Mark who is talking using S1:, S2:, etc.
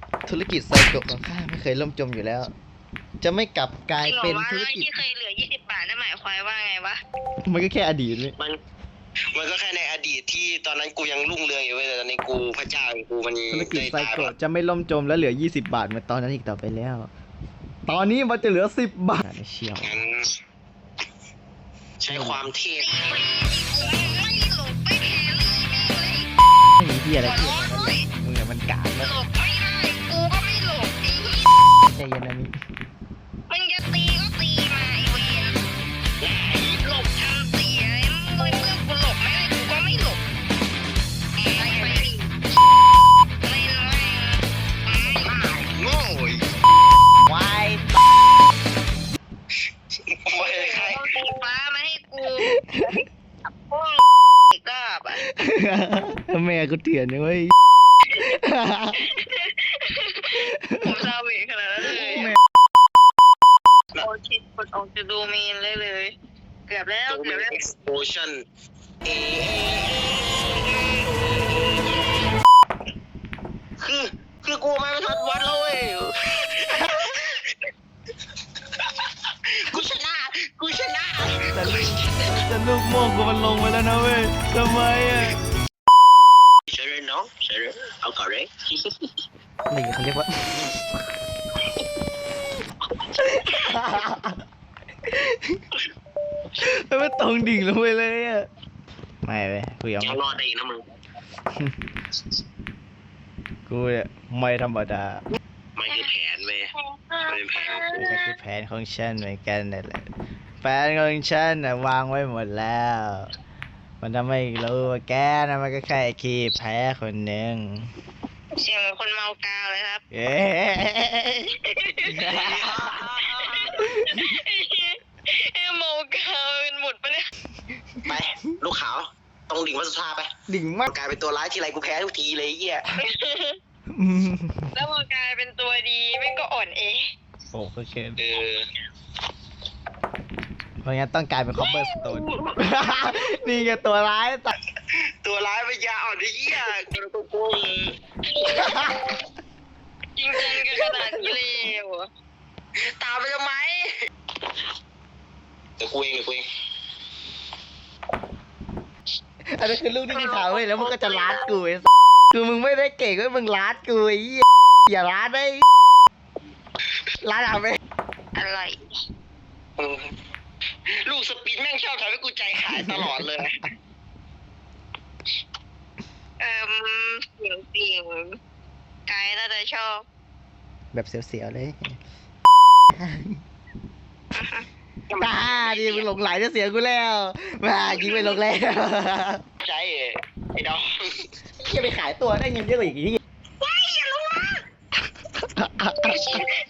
S1: ธุรกิจไซโกะของข้าไม่เคยล่มจมอยู่แล้ว จะไม่กลับกลายเป็นธุรกิจ
S2: ที่เคยเหลือ20 บาทนั่นหมายความว่าไงวะ
S1: มันก็แค่อดีตเลย
S3: มันก็แค่ในอดีตที่ตอนนั้นกูยังรุ่งเรืองอยู่เว้ยแต่ตอนนี้กูพระเจ้าของกูมัน
S1: ธุรกิจไซ
S3: ได้ตาย
S1: โกะจะไม่ล่มจมและเหลือ20 บาทเหมือนตอนนั้นอีกต่อไปแล้ว ตอนนี้มันจะเหลือ10 บาทเชียว
S3: งั้นใช้ความเทพ
S2: ไม่หลบไม่แครี่เลย
S1: ไม่มีที่อะไรที่มึงเนี่ยมันกาก
S2: ห
S1: แล้ว
S2: ลบไม่ได้กูก็ไม่หลบไอ้
S1: ใจเย็นนะมิ
S2: มึงจะตีก็ตีมาไอ้เวรหลบทำเสียเมื่อกูหลบไม่ได้กูก็ไม่หลบไปดิเล่นแม่ง
S3: โง่ยว
S1: าย
S3: ไม่ได้ใคร
S2: เอาสีฟ้ามาให้กูพวกอีกรอบอ่ะ
S1: แม่กูเถื่อนนะเว้ย
S2: ผมซาเวขนาดนั้นเลยโอชิกดออกจะดูเมนเลยเกือบแล้ว
S3: ตัว
S2: เกื
S3: เป็
S2: อบ
S3: น
S2: แล้ว
S3: explosion คือกูมาไม่ทันวัดแล้วเว้ยกูชนะ
S1: แต่ลูกโม่งกูมันลงไปแล้วนะเว้ยทำไมอ่ะ
S3: ใช่เลยน้องใช่เลยเอาก่อนเลย
S1: นี่เขาเรียกว่า ไม่ตรงดิ่งลงไปเลยอ่ะ ไม่เว้ยกูยัง
S3: ยังรอดได้อีกนะมึง
S1: กูเนี่ยไม่ธรรมดา
S3: มันคือแผนเว้ยมันเป็นแผนของกู
S1: ก็คือแผนของฉันเหมือนกันนั่นแหละแผนของฉันน่ะวางไว้หมดแล้ว มันจะไม่รู้ว่าแกนะมันก็แค่ขี้แพ้คนหนึ่ง
S2: เสียงเหมือนคนเมากาวเลยครับ
S1: เย้
S2: เมากาวเป็นหมดปะเนี่ย
S3: ไปลูกขาวตรงดิ่งวัดสุธาไป
S1: ดิ่งมาก
S3: กลายเป็นตัวร้ายทีไรกูแพ้ทุกทีเลยไอ้เหี้ย
S2: แล้วพอกลายเป็นตัวดีแม่งก็อ่อนเอง
S1: โอ้ก็เคิน
S3: เออ
S1: เพราะงั้นต้องกลายเป็นคอมเบอร์สโตน นี่ไงตัวร้ายตัด
S3: ตัวร้ายปัญญาอ่อนไอ้เหี้ยกูโกง
S2: จริงจังกันขนาดนี้เลยเหรอ
S3: ตามไปทำไมเดี๋ยวกูเอง
S1: อันนั้นคือลูกที่กูถามเว้ยแล้วมึงก็จะล้านกูไอ้คือมึงไม่ได้เก่งเว้ยมึงล้านกูไอ้เหี้ยอย่าล้านได้ล้านเอาไป
S2: อะไร
S3: ลูกสปินแม่งชอบทำให้กูใจหายตลอดเลย
S2: เสียงกายน่าจะชอบ
S1: แบบเสียวๆเลยตาดิมึงหลงไหลจะเสียกูแล้วมายิงไปลงแล้ว
S3: ใจไอ้น้อง
S1: จะไปขายตัวได้เงินเยอะกว่าอีกที
S2: ว้ายอย่าลงมา